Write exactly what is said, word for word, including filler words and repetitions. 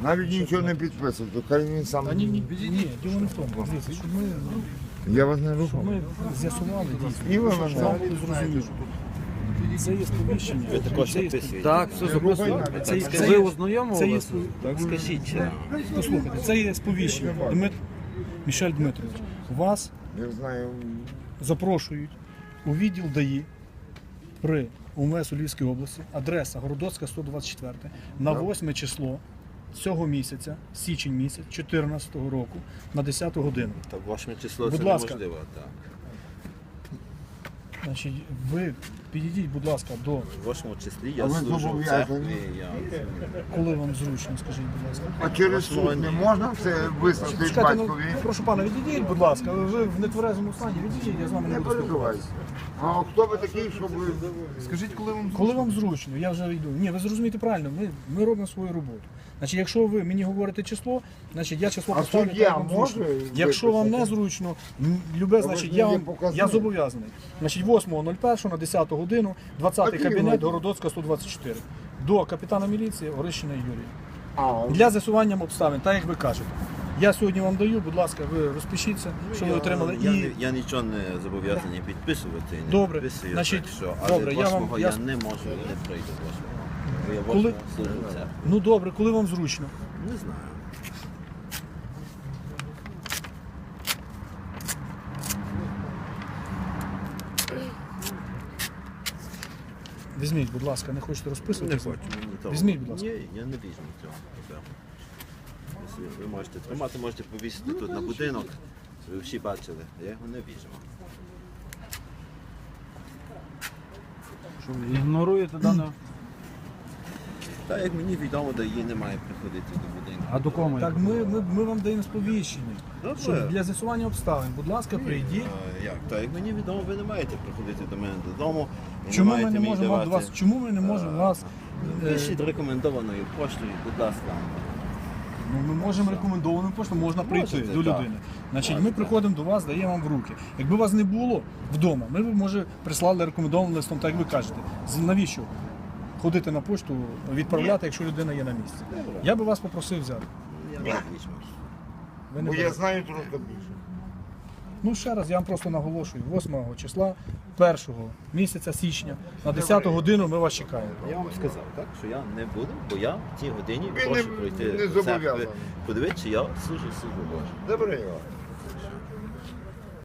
Навіть нічого не підписував, то хай він сам. А ні, ні, ні, діло не в тому. Дивіться, щоб ми, Я вас не щоб рухав. ми з'ясували дійсно. І ви щоб мене. вам було зрозуміло. Це є сповіщення. Ви також це є підписуєте? Так, все записано. Це, є- Ви це, є- ознайомилися? це є спо- Так скажіть, чи? послухайте, це є сповіщення. Дмит... Мішель Дмитрович, вас Я знаю. запрошують у відділ ДАІ при УМВС у Львівській області, адреса Городоцька, сто двадцять чотири, на восьме число цього місяця, січень місяць, чотирнадцятого року, на десяту годину. Так, восьме число Будь це ласка. неможливо. Так. Значить, ви підійдіть, будь ласка, до восьмому числі А я ви служу в зобов'язані? церкві. Я... коли вам зручно, скажіть, будь ласка. А через суд не можна це вислати Чекайте, ну, батькові? прошу пана, відійдіть, будь ласка, ви в нетверезому стані, відійдіть, я з вами не Не буду переживайте. спілкуватися. А хто ви такий, щоб ви... Скажіть, коли вам Коли вам зручно, я вже йду. Ні, ви зрозумієте правильно, ми, ми робимо свою роботу. Значить, якщо ви мені говорите число, значить я число А поставлю, суддя як вам може зручно. Якщо вам не виписати? зручно, м, любе, ви значить, ж я мені вам показали. я зобов'язаний. Значить, восьмого першого на десяту годину, двадцятий Які кабінет, години? Городоцька, сто двадцять чотири. До капітана міліції Орищина Юрія. А, Для з'ясування обставин, так як ви кажете. Я сьогодні вам даю, будь ласка, ви розпишіться, що ви отримали. Я, І не- я нічого не зобов'язаний підписувати. Не Добре, підписую, значить, так що, але добре, я вам- восьмого я я, с- не можу, не прийду восьмого. Бо я Коли- восьмого служу в церкві. ну добре, коли вам зручно. Не знаю. Візьміть, будь ласка, не хочете Не розписуватися? хочу мені того. Візьміть, будь ласка. Ні, я не візьму цього. Так. Якщо ви можете тримати, можете повісити тут на будинок. Ви всі бачили, я його не візьму. Що ви ігноруєте дане? Так як мені відомо, до її немає приходити до будинку. А до кого? Так ми, ми, ми вам даємо сповіщення. Добре. Щоб для з'ясування обставин, будь ласка, прийдіть. А, як? Так як мені відомо, ви не маєте приходити до мене додому. і Чому ми маєте не мені можемо вам до давати- вас? Чому ми не можемо вас? е, Пишіть рекомендованою поштою, будь ласка. Ну, ми можемо рекомендованим поштом, можна прийти Можете, до так. людини. Значить, ми Можете. приходимо до вас, даємо вам в руки. Якби вас не було вдома, ми б, може, прислали рекомендованим листом, так як ви кажете. З- Навіщо ходити на пошту, відправляти, якщо людина є на місці? Я би вас попросив взяти. Я не візьму. Ви не бо я берете. знаю трошки більше. Ну ще раз, я вам просто наголошую, восьмого числа, першого місяця січня, на десяту годину ми вас чекаємо. Я вам сказав, так, що я не буду, бо я в цій годині Ви прошу не- пройти не до церкви, зобов'язаний. подивитися, чи я служу службу Божу. Добре, Іван.